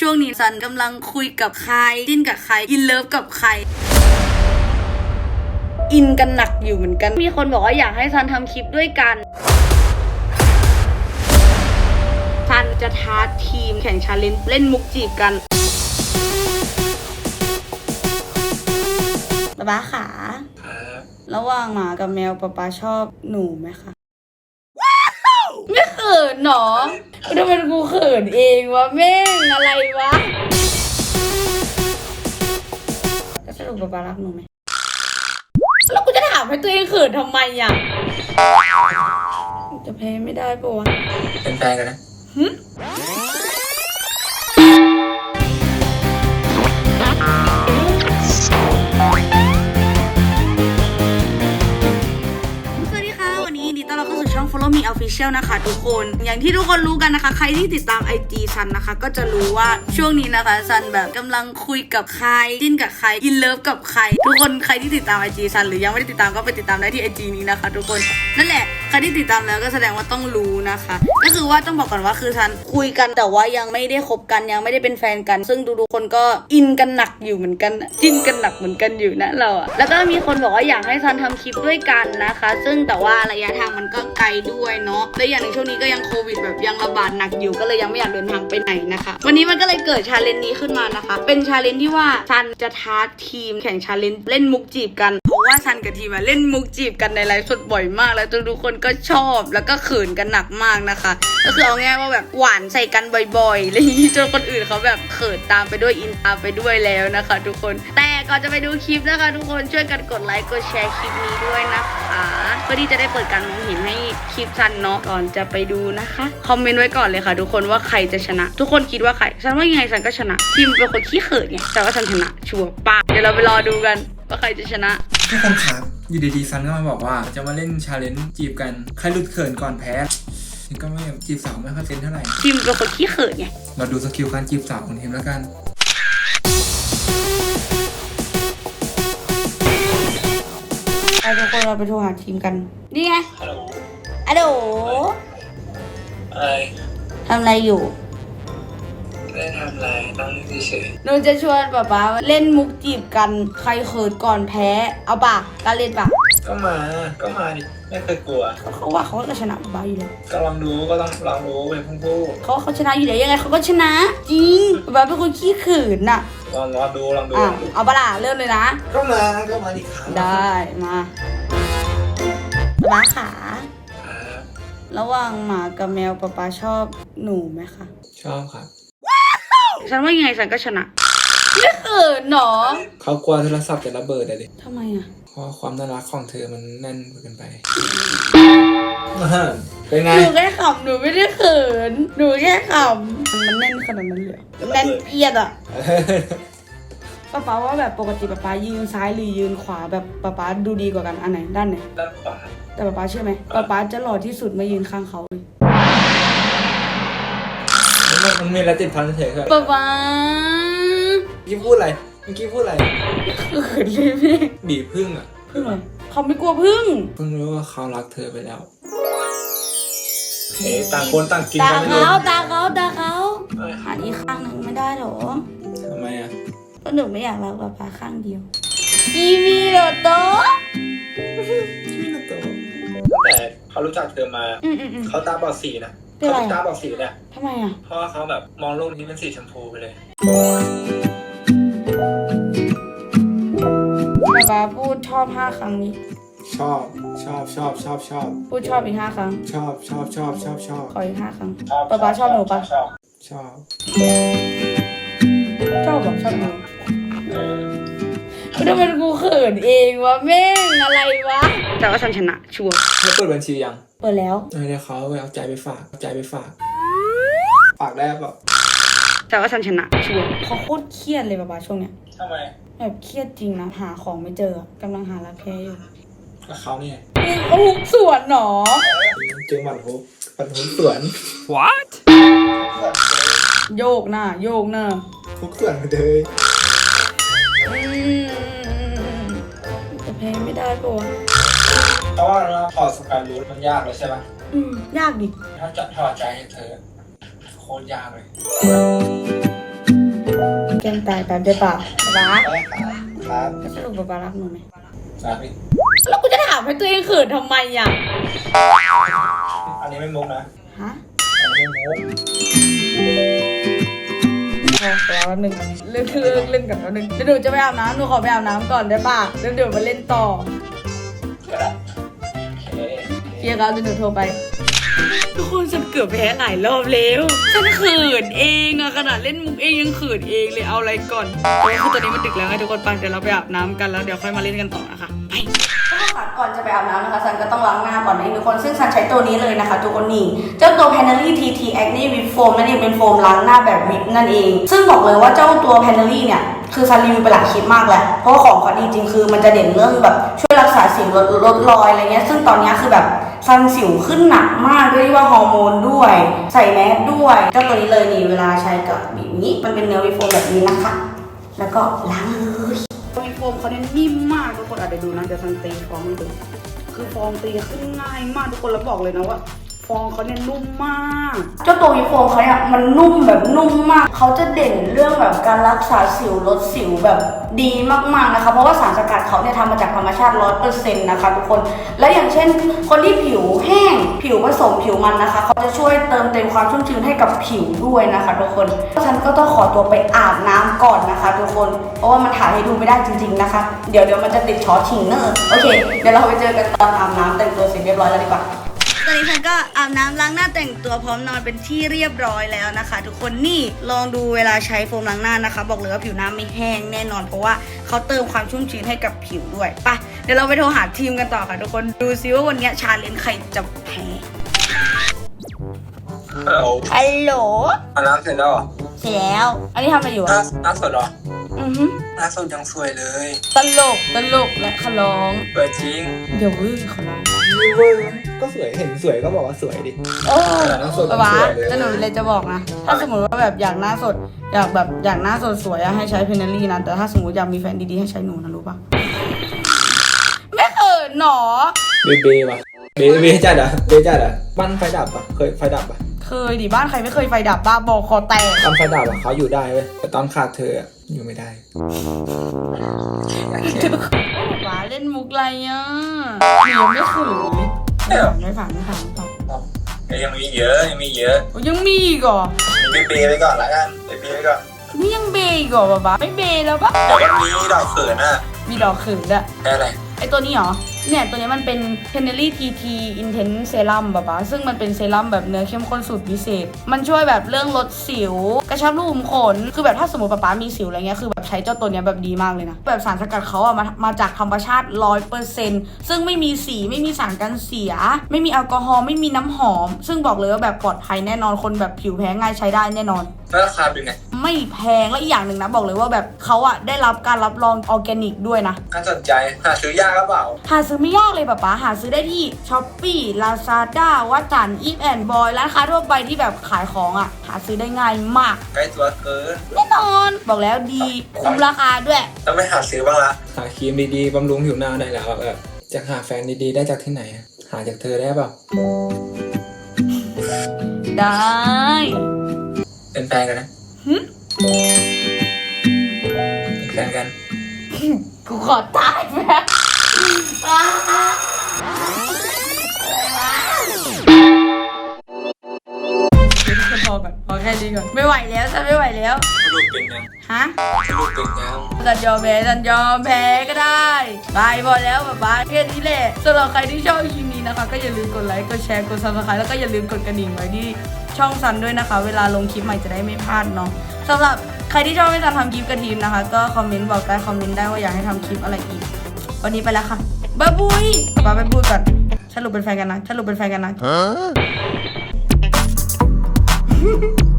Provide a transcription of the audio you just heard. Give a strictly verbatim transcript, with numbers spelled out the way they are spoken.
ช่วงนี้ซันกำลังคุยกับใครจิ้นกับใครอินเลิฟกับใครอินกันหนักอยู่เหมือนกันมีคนบอกว่าอยากให้ซันทำคลิปด้วยกันซันจะท้าทีมแข่งชาเลนจ์เล่นมุกจีบกันป๊าป๊าขาระหว่างหมากับแมวป๊าป๊าชอบหนูไหมคะไม่เขินหรอทำไมกูเขินเองวะแม่งอะไรวะแล้วสรุปป๊าป๊ารักหนูไหมแล้วกูจะถามให้ตัวเองเขินทำไมอ่ะจะแพ้ไม่ได้ปะวะเป็นแฟนกันนะหึช่อง Follow Me Official นะคะทุกคนอย่างที่ทุกคนรู้กันนะคะใครที่ติดตาม ไอ จี ซันนะคะก็จะรู้ว่าช่วงนี้นะคะซันแบบกำลังคุยกับใครจิ้นกับใครอินเลิฟกับใครทุกคนใครที่ติดตาม ไอ จี ซันหรือยังไม่ได้ติดตามก็ไปติดตามได้ที่ ไอ จี นี้นะคะทุกคนนั่นแหละใครที่ติดตามแล้วก็แสดงว่าต้องรู้นะคะก็คือว่าต้องบอกก่อนว่าคือซันคุยกันแต่ว่ายังไม่ได้คบกันยังไม่ได้เป็นแฟนกันซึ่งทุกๆคนก็อินกันหนักอยู่เหมือนกันจิ้นกันหนักเหมือนกันอยู่นะเราอะแล้วก็มีคนบอกว่าอยากให้ซันทำคลิปด้วยกันนะคะซึ่งแต่ว่าระยะทางมันก็ไกลด้วยเนาะและอย่างในช่วงนี้ก็ยังโควิดแบบยังระบาดหนักอยู่ก็เลยยังไม่อยากเดินทางไปไหนนะคะวันนี้มันก็เลยเกิดชาเลนจ์นี้ขึ้นมานะคะเป็นชาเลนจ์ที่ว่าซันจะท้าทีมแข่งชาเลนจ์เล่นมุกจีบกันเพราะว่าซันกับทีมเล่นมุกจีบกันในไลฟ์สดบ่อยมากแล้วทุกคนก็ชอบแล้วก็เขินกันหนักมากนะคะก็คือเอาง่ายว่าแบบหวานใส่กันบ่อยๆอะไรอย่างนี้จนคนอื่นเขาแบบเขินตามไปด้วยอินตามไปด้วยแล้วนะคะทุกคนแต่ก่อนจะไปดูคลิปนะคะทุกคนช่วยกันกดไลค์กดแชร์คลิปนี้ด้วยนะคะเพื่อที่จะได้เปิดการมองเห็นให้คลิปซันเนาะก่อนจะไปดูนะคะคอมเมนต์ไว้ก่อนเลยค่ะทุกคนว่าใครจะชนะทุกคนคิดว่าใครซันว่ายังไงซันก็ชนะทีมเป็นคนขี้เขินไงแต่ว่าซันชนะชัวร์ปะเดี๋ยวเราไปรอดูกันว่าใครจะชนะทุกคนครับอยู่ดีๆซันก็มาบอกว่าจะมาเล่นชาเลนจ์จีบกันใครหลุดเขินก่อนแพ้ฉันก็ไม่จีบสาวไม่ค่อยเป็นเท่าไหร่ทีมเป็นคนขี้เขินไงเราดูสกิลการจีบสาวของทีมแล้วกันไปทุกคนเราไปโทรหาทีมกันนี่ไงฮัลโหลฮัลโหลอะไรทำอะไรอยู่ไม่ได้ทำอะไรนั่งเฉยหนูจะชวนป๊าป๊าเล่นมุกจีบกันใครเขินก่อนแพ้เอาปะการเล่นปะก็มาก็มาดิไม่เคยกลัวเขาว่าเขาก็ชนะป๊าป๊าอยู่แล้วก็ลองดูก็ต้องลองดูเป็นพุ่งพูเขาเขาชนะอยู่แล้วยังไงเขาก็ชนะจริงป๊าป๊าเป็นคนขี้เขินน่ะลองลองดูลองดูอ่ะเอาปะล่ะเริ่มเลยนะก็มาก็มาดิครับได้มาป๊าป๊าขาระหว่างหมากับแมวป๊าป๊าชอบหนูไหมคะชอบครับฉันว่ายังไงฉันก็ชนะไม่เขินหรอเขากลัวโทรศัพท์จะระเบิดเลยทำไมอ่ะเพราะความน่ารักของเธอมันแน่นเกินไปเป็นไงหนูแค่ขำหนูไม่ได้เขินหนูแค่ขำมันแน่นขนาดนั้นเลยแน่นเอียดอ่ะป๊าป๊าว่าแบบปกติป๊าป๊ายืนซ้ายหรือยืนขวาแบบป๊าป๊าดูดีกว่ากันอันไหนด้านไหนด้านขวาแต่ป๊าป๊าเชื่อไหมป๊าป๊าจะหล่อที่สุดมายืนข้างเขาเลยมันมีอะไรติดพันเฉยๆครับป๊าป๊าเมื่อกี้พูดอะไรเมื่อกี้พูดอะไรเขินเลยแม่บีบพึ่งอ่ะพึ่งอะไรเขาไม่กลัวพึ่งเพิ่งรู้ว่าเขารักเธอไปแล้วเฮ้ต่างคนต่างกินตาเขาตาเขาตาเขาหันอีกข้างหนึ่งไม่ได้หรอทำไมอ่ะก็หนูไม่อยากรักป๊าป๊าข้างเดียวอีมีโรโตอีมีโรโตแต่เขารู้จักเธอมาเขาตาบอดสีนะเขาตาบอดสีเนี่ยทำไมอ่ะเพราะว่าเขาแบบมองโลกนี้เป็นสีชมพูไปเลยป๊าป๊าพูดชอบห้าครั้งนี้ชอบชอบชอบชอบชอบพูดชอบอีกห้าครั้งชอบชอบชอบชอบชอบขออีกห้าครั้งป๊าป๊าชอบหนูปะชอบชอบชอบแบบชอบหนูทำไมกูเขินเองวะแม่งอะไรวะแต่ว่าฉันชนะชัวร์แล้วเปิดบัญชียังเปิดแล้วเดี๋ยวเขาไปเอาใจไปฝากเอาใจไปฝากฝากได้ป่ะแต่ว่าฉันชนะชัวร์เขาโคตรเครียดเลยป๊าป๊าช่วงเนี้ยทำไมแบบเครียดจริงนะหาของไม่เจอกำลังหารักแท้อยู่กับเขาเนี่ยฮุกสวนหรอเจอหมัดฮุกหมัดฮุกสวน what โยกหน้าโยกหน้าฮุกสวนเลยจะแพ้ไม่ได้ปะวะเพราะว่าเราถอดสกายรูทมันยากเลยใช่ไหมอืมยากดิถ้าจะถอดใจให้เธอโคตรยากเลยงตายตามใจปากป๊าได้ครับครับสรุปป๊าป๊ารักหนูไหมครับพี่แล้วกูจะถามให้ตัวเองเขินทำไมอ่ะอันนี้ไม่มุกนะฮะอันนี้ไม่มุกพอแล้วแป๊บนึงเล่นเล่นเล่นกันแป๊บนึงเดี๋ยวหนูจะไปอาบน้ำหนูขอไปอาบน้ำก่อนได้ป่ะแล้วเดี๋ยวมาเล่นต่อก็ได้โอเคเคลียร์กันเดี๋ยวหนูโทรไปทุกคนฉันเกือบแพ้หลายรอบแล้วฉันเขินเองอะขนาดเล่นมุกเองยังเขินเองเลยเอาอะไรก่อนโอ้ยคือตอนนี้มันดึกแล้วไงทุกคนไปเดี๋ยวเราไปอาบน้ำกันแล้วเดี๋ยวค่อยมาเล่นกันต่อนะคะไปก่อนจะไปอาบน้ำนะคะซันก็ต้องล้างหน้าก่อนนะทุกคนซึ่งซันใช้ตัวนี้เลยนะคะทุกคนนี่เจ้าตัว Panerai ที ที Acne Whip Foam นั่นเองเป็นโฟมล้างหน้าแบบวิปนั่นเองซึ่งบอกเลยว่าเจ้าตัว Panerai เนี่ยคือซันรีวิวไปหลายคลิปมากแล้วเพราะว่าของเขาดีจริงคือมันจะเด่นเรื่องแบบช่วยรักษาสิวลดลดรอยอะไรเงี้ยซึ่งตอนนี้คือแบบซันสิวขึ้นหนักมากด้วยว่าฮอร์โมนด้วยใส่แมสด้วยเจ้าตัวนี้เลยนี่เวลาใช้กับแบบนี้มันเป็นเนื้อวิปโฟมแบบนี้นะคะแล้วก็ล้างเลยวิปโฟมเขาเนี่ยนิ่มมากทุกคนอาจจะดูนะเดี๋ยวซันตีฟองให้ดูคือฟองตีขึ้นง่ายมากทุกคนแล้วบอกเลยนะว่าฟองเขาเนี่ยนุ่มมากเจ้าตัววิปโฟมเขาเนี่ยมันนุ่มแบบนุ่มมากเขาจะเด่นเรื่องแบบการรักษาสิวลดสิวแบบดีมากๆนะคะเพราะว่าสารสกัดเขาเนี่ยทำมาจากธรรมชาติ ร้อยเปอร์เซ็นต์ นะคะทุกคนและอย่างเช่นคนที่ผิวแห้งผิวผสมผิวมันนะคะเขาจะช่วยเติมเต็มความชุ่มชื้นให้กับผิวด้วยนะคะทุกคนฉันก็ต้องขอตัวไปอาบน้ำก่อนนะคะทุกคนเพราะว่ามันถ่ายให้ดูไม่ได้จริงๆนะคะเดี๋ยวเดี๋ยวมันจะติดช็อตชิงเนอร์โอเคเดี๋ยวเราไปเจอกันตอนอาบน้ำแต่งตัวเสร็จเรียบร้อยแล้วดีกว่าตอนนี้ฉันก็อาบน้ำล้างหน้าแต่งตัวพร้อมนอนเป็นที่เรียบร้อยแล้วนะคะทุกคนนี่ลองดูเวลาใช้โฟมล้างหน้านะคะบอกเลยว่าผิวหน้าไม่แห้งแน่นอนเพราะว่าเขาเติมความชุ่มชื้นให้กับผิวด้วยไปเดี๋ยวเราไปโทรหาทีมกันต่อค่ะทุกคนดูซิว่าวันนี้ชาเลนจ์ใครจะแพ้ฮัลโหลฮัลโหลอาบน้ำเสร็จแล้วเหรอเสร็จแล้วอันนี้ทำอะไรอยู่หน้าอะหน้าสดเหรออือฮึหน้าสดยังสวยเลยตลกตลกและขร้องสวยจริงเดี๋ยววื้อขร้องเวอร์ก็สวยเห็นสวยก็บอกว่าสวยดิเออหน้าสดป๊าสวยเลยจะหนูเลยจะบอกนะถ้าสมมติว่าแบบอยากหน้าสดอยากแบบอยากหน้าสดสวยอะให้ใช้เพนเนอรี่นะแต่ถ้าสมมติอยากมีแฟนดีๆให้ใช้หนูนะรู้ปะไม่เขินหนอเบเบว่ะเบเบจัดอ่ะเบจัดอ่ะบ้านไฟดับอ่ะเคยไฟดับอ่ะเคยดิบ้านใครไม่เคยไฟดับบ้าบอคอแตกตอนไฟดับอ่ะเขาอยู่ได้เว้ยแต่ตอนขาดเธออ่ะอยู่ไม่ได้ป๊าเล่นมุกอะไรอ่ะหนูยังไม่เขินเลยไม่ฝันไม่ฝันไม่ฝันยังมีเยอะยังมีเยอะโอ้ยังมีอีกเหรอเบเบไปก่อนละกันเบเบไปก่อนนี่ยังเบย์อีกเหรอป๊าป๊าไม่เบย์แล้วปะเดี๋ยววันนี้ดอกเขินอ่ะมีดอกเขินอะได้อะไรไอตัวนี้เหรอ เนี่ยตัวนี้มันเป็น Panerai ที ที Intense Serum แบบว่าซึ่งมันเป็นเซรั่มแบบเนื้อเข้มข้นสูตรพิเศษ มันช่วยแบบเรื่องลดสิว กระชับรูขุมขน คือแบบถ้าสมมติป๊าป๊ามีสิวอะไรเงี้ย คือแบบใช้เจ้าตัวเนี้ยแบบดีมากเลยนะ แบบสารสกัดเขาอะมามาจากธรรมชาติ ร้อยเปอร์เซ็นต์ ซึ่งไม่มีสี ไม่มีสารกันเสีย ไม่มีแอลกอฮอล์ ไม่มีน้ำหอม ซึ่งบอกเลยว่าแบบปลอดภัยแน่นอน คนแบบผิวแพ้ง่ายใช้ได้แน่นอนแล้วราคาเป็นไงไม่แพง และอีกอย่างหนึ่งนะบอกเลยว่าแบบเขาอะได้รับการรับรองออร์แกนิกด้วยนะน่าสนใจหาซื้อยากหรือเปล่าหาซื้อไม่ยากเลยป๊าป๊าหาซื้อได้ที่ Shopee Lazada วัดจัน Eat and Boy ร้านค้าทั่วไปที่แบบขายของอ่ะหาซื้อได้ง่ายมากใกล้ตัวเกินแน่นอนบอกแล้วดีคุ้มราคาด้วยต้องไปหาซื้อบ้างละหาครีมดีๆบำรุงผิวหน้าได้แล้วแบบจะหาแฟนดีๆได้จากที่ไหนอะหาจากเธอได้เปล่าได้เป็นแฟนกันนะหึเป็นแฟนกันกูขอตายแม่อ้าพอก่อนพอแค่นี้ก่อนไม่ไหวแล้วฉันไม่ไหวแล้วสรุปเป็นยังฮะสรุปเป็นยังฉันยอมแพ้ฉันยอมแพ้ก็ได้บายพอแล้วป๊าป๊าแค่นี้แหละสำหรับใครที่ชอบคลิปนี้นะคะก็อย่าลืมกดไลค์กดแชร์กดซับสไครต์แล้วก็อย่าลืมกดกระดิ่งไว้ที่ช่องซันด้วยนะคะเวลาลงคลิปใหม่จะได้ไม่พลาดเนาะสำหรับใครที่ชอบให้ซันทำคลิปกระทีมนะคะก็คอมเมนต์บอกได้คอมเมนต์ได้ว่าอยากให้ทำคลิปอะไรอีกวันนี้ไปแล้วค่ะบ๊ายบุยป๊าไปพูดก่อนสรุปเป็นแฟนกันนะสรุปเป็นแฟนกันนะ